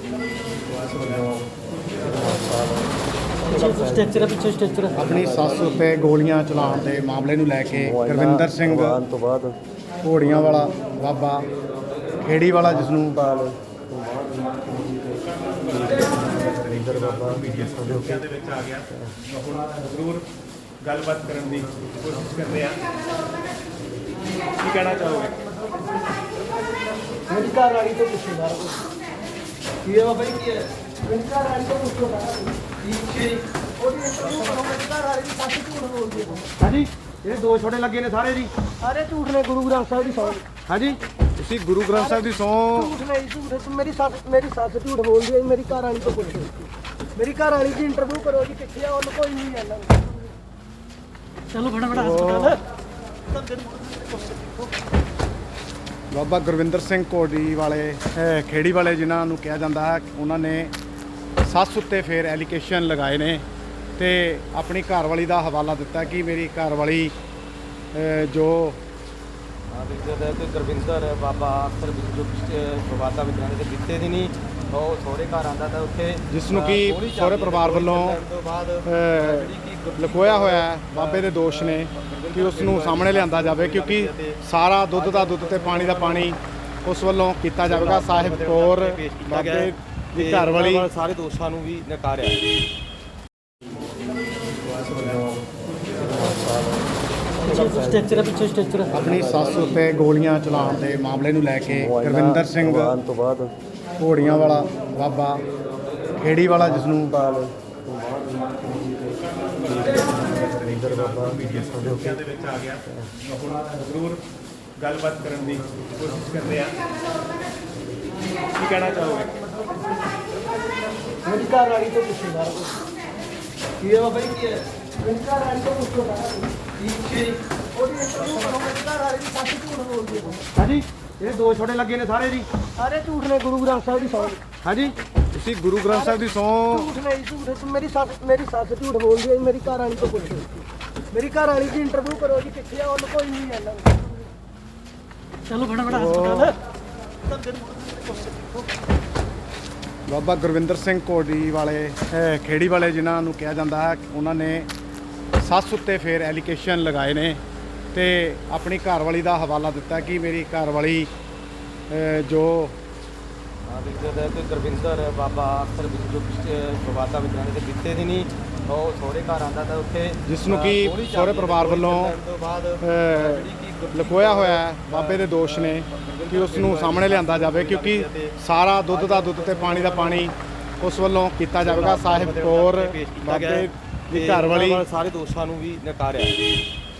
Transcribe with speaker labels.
Speaker 1: Structure ਪਿੱਛੇ structure
Speaker 2: ਆਪਣੀ ਸੱਸ ਉੱਤੇ ਗੋਲੀਆਂ ਚਲਾਉਣ ਦੇ ਮਾਮਲੇ ਨੂੰ ਲੈ ਕੇ ਗੁਰਵਿੰਦਰ ਸਿੰਘ
Speaker 3: ਤੋਂ ਬਾਅਦ
Speaker 2: ਘੋੜੀਆਂ ਵਾਲਾ ਬਾਬਾ ਖੇੜੀ ਵਾਲਾ ਜਿਸ ਨੂੰ
Speaker 3: ਰਿੰਦਰ ਬਾਬਾ
Speaker 4: ਲੋਕਾਂ ਦੇ ਵਿੱਚ ਆ ਗਿਆ ਹੁਣ ਜ਼ਰੂਰ ਗੱਲਬਾਤ ਕਰਨ ਦੀ ਕੋਸ਼ਿਸ਼ ਕਰਦੇ ਆ ਕੀ ਕਹਿਣਾ ਚਾਹੋਗੇ
Speaker 1: ਮੇਰੀ ਘਰ ਵਾਲੀ ਤੋਂ ਪੁੱਛੋ ਸਾਰਾ ਕੁਝ ਕੀ ਹੈ ਬਾਬਾ ਜੀ ਕੀ ਹੈ ਮੇਰੀ ਘਰ ਵਾਲੀ ਤੋਂ ਪੁੱਛੋ ਸਾਰਾ ਕੁਝ ਉਹਦੀ ਇੰਟਰਵਿਊ ਕਰੋ ਮੇਰੀ ਘਰ ਵਾਲੀ ਦੀ ਸੱਚ ਝੂਠ ਬੋਲਦੀ ਹੈ
Speaker 2: ਹਾਂਜੀ ਜਿਹੜੇ ਦੋ ਛੋਟੇ ਲੱਗੇ ਨੇ ਸਾਰੇ ਜੀ
Speaker 1: ਸਾਰੇ ਝੂਠ ਨੇ ਗੁਰੂ ਗ੍ਰੰਥ ਸਾਹਿਬ ਦੀ ਸੌਂ
Speaker 2: ਹਾਂਜੀ ਤੁਸੀਂ ਗੁਰੂ ਗ੍ਰੰਥ ਸਾਹਿਬ ਦੀ ਸਹੁੰ
Speaker 1: ਝੂਠ ਨਹੀਂ ਝੂਠ ਮੇਰੀ ਸੱਸ ਝੂਠ ਬੋਲਦੀ ਹੈ ਮੇਰੀ ਘਰ ਵਾਲੀ ਤੋਂ ਪੁੱਛੋ ਮੇਰੀ ਘਰ ਵਾਲੀ ਦੀ ਇੰਟਰਵਿਊ ਕਰੋ ਜੀ ਕਿੱਥੇ ਆ ਉਹਨੂੰ ਕੋਈ ਨਹੀਂ ਜਾਣਦਾ ਚਲੋ ਫਟਾਫਟ ਹਸਪਤਾਲ
Speaker 2: ਬਾਬਾ ਗੁਰਵਿੰਦਰ ਸਿੰਘ ਘੋੜੀ ਵਾਲੇ ਖੇੜੀ ਵਾਲੇ ਜਿਨ੍ਹਾਂ ਨੂੰ ਕਿਹਾ ਜਾਂਦਾ ਹੈ ਉਹਨਾਂ ਨੇ ਸੱਸ ਉੱਤੇ ਫੇਰ ਐਲੀਗੇਸ਼ਨ ਲਗਾਏ ਨੇ ਤੇ ਆਪਣੀ ਘਰਵਾਲੀ ਦਾ ਹਵਾਲਾ ਦਿੱਤਾ ਕਿ ਮੇਰੀ ਘਰਵਾਲੀ ਜੋ
Speaker 3: ਗੁਰਵਿੰਦਰ ਬਾਬਾ ਅਕਸਰ ਜੋ ਵਿਵਾਦਾਂ ਵਿੱਚ ਰਹਿੰਦੇ ਤੇ ਕਿਤੇ ਦੀ ਨਹੀਂ ਉਹ ਸਹੁਰੇ ਘਰ ਆਉਂਦਾ ਤਾਂ ਉੱਥੇ
Speaker 2: ਜਿਸ ਨੂੰ ਕਿ ਸਹੁਰੇ ਪਰਿਵਾਰ ਵੱਲੋਂ ਲਕੋਇਆ ਹੋਇਆ ਹੈ ਬਾਬੇ ਦੇ ਦੋਸ਼ ਨੇ ਕਿ ਉਸ ਨੂੰ ਸਾਹਮਣੇ ਲਿਆਂਦਾ ਜਾਵੇ ਕਿਉਂਕਿ ਸਾਰਾ ਦੁੱਧ ਦਾ ਦੁੱਧ ਤੇ ਪਾਣੀ ਦਾ ਪਾਣੀ ਉਸ ਵੱਲੋਂ ਕੀਤਾ ਜਾਵੇਗਾ। ਸਾਹਿਬ ਕੌਰ ਬਾਬੇ ਦੀ ਘਰਵਾਲੀ
Speaker 3: ਸਾਰੇ ਦੋਸ਼ਾਂ ਨੂੰ ਵੀ ਨਕਾਰਿਆ
Speaker 1: ਸਟ੍ਰਕਚਰ ਪਿੱਛੇ ਸਟ੍ਰਕਚਰ
Speaker 2: ਆਪਣੀ ਸੱਸ ਉੱਤੇ ਗੋਲੀਆਂ ਚਲਾਉਣ ਦੇ ਮਾਮਲੇ ਨੂੰ ਲੈ ਕੇ ਗੁਰਵਿੰਦਰ ਸਿੰਘ
Speaker 3: ਤੋਂ ਬਾਅਦ
Speaker 2: ਘੋੜੀਆਂ ਵਾਲਾ ਬਾਬਾ ਖੇੜੀ ਵਾਲਾ ਜਿਸ ਨੂੰ
Speaker 3: ਰਿੰਦਰ ਬਾਬਾ
Speaker 4: ਲੋਕਾਂ ਦੇ ਵਿੱਚ ਆ ਗਿਆ ਹੁਣ ਜ਼ਰੂਰ ਗੱਲਬਾਤ ਕਰਨ ਦੀ ਕੋਸ਼ਿਸ਼ ਕਰਦੇ ਆ ਕੀ ਕਹਿਣਾ ਚਾਹੋਗੇ
Speaker 1: ਮੇਰੀ ਘਰ ਵਾਲੀ ਤੋਂ ਪੁੱਛੋ ਸਾਰਾ ਕੁਝ ਕੀ ਹੈ ਬਾਬਾ ਜੀ ਕੀ ਹੈ ਮੇਰੀ ਘਰ ਵਾਲੀ ਤੋਂ ਪੁੱਛੋ ਸਾਰਾ ਕੁਝ ਉਹਦੀ ਇੰਟਰਵਿਊ ਕਰੋ ਮੇਰੀ ਘਰ ਵਾਲੀ ਦੀ ਸੱਚ ਝੂਠ ਬੋਲਦੀ ਹੈ
Speaker 2: ਹਾਂਜੀ ਜਿਹੜੇ ਦੋ ਛੋਟੇ ਲੱਗੇ ਨੇ ਸਾਰੇ ਜੀ
Speaker 1: ਸਾਰੇ ਝੂਠ ਨੇ ਗੁਰੂ ਗ੍ਰੰਥ ਸਾਹਿਬ ਦੀ ਸੌਂ
Speaker 2: ਹਾਂਜੀ ਤੁਸੀਂ ਗੁਰੂ ਗ੍ਰੰਥ ਸਾਹਿਬ ਦੀ ਸਹੁੰ
Speaker 1: ਝੂਠ ਨਹੀਂ ਝੂਠ ਮੇਰੀ ਸੱਸ ਝੂਠ ਬੋਲਦੀ ਹੈ ਮੇਰੀ ਘਰ ਵਾਲੀ ਤੋਂ ਪੁੱਛੋ ਮੇਰੀ ਘਰ ਵਾਲੀ ਦੀ ਇੰਟਰਵਿਊ ਕਰੋ ਜੀ ਕਿੱਥੇ ਆ ਉਹਨੂੰ ਕੋਈ ਨਹੀਂ ਜਾਣਦਾ ਚਲੋ ਫਟਾਫਟ ਹਸਪਤਾਲ
Speaker 2: ਬਾਬਾ ਗੁਰਵਿੰਦਰ ਸਿੰਘ ਘੋੜੀ ਵਾਲੇ ਖੇੜੀ ਵਾਲੇ ਜਿਨ੍ਹਾਂ ਨੂੰ ਕਿਹਾ ਜਾਂਦਾ ਹੈ ਉਹਨਾਂ ਨੇ ਸੱਸ ਉੱਤੇ ਫੇਰ ਐਲੀਗੇਸ਼ਨ ਲਗਾਏ ਨੇ ਤੇ ਆਪਣੀ ਘਰਵਾਲੀ ਦਾ ਹਵਾਲਾ ਦਿੱਤਾ ਕਿ ਮੇਰੀ ਘਰਵਾਲੀ ਜੋ
Speaker 3: ਗੁਰਵਿੰਦਰ ਬਾਬਾ ਅਕਸਰ ਜੋ ਵਿਵਾਦਾਂ ਵਿੱਚ ਰਹਿੰਦੇ ਤੇ ਕਿਤੇ ਦੀ ਨਹੀਂ ਉਹ ਸਹੁਰੇ ਘਰ ਆਉਂਦਾ ਤਾਂ ਉੱਥੇ
Speaker 2: ਜਿਸ ਨੂੰ ਕਿ ਸਹੁਰੇ ਪਰਿਵਾਰ ਵੱਲੋਂ ਲਕੋਇਆ ਹੋਇਆ ਹੈ ਬਾਬੇ ਦੇ ਦੋਸ਼ ਨੇ ਕਿ ਉਸ ਨੂੰ ਸਾਹਮਣੇ ਲਿਆਂਦਾ ਜਾਵੇ ਕਿਉਂਕਿ ਸਾਰਾ ਦੁੱਧ ਦਾ ਦੁੱਧ ਤੇ ਪਾਣੀ ਦਾ ਪਾਣੀ ਉਸ ਵੱਲੋਂ ਕੀਤਾ ਜਾਵੇਗਾ। ਸਾਹਿਬ ਕੌਰ ਬਾਬੇ ਦੀ ਘਰਵਾਲੀ
Speaker 3: ਸਾਰੇ ਦੋਸ਼ਾਂ ਨੂੰ ਵੀ ਨਕਾਰਿਆ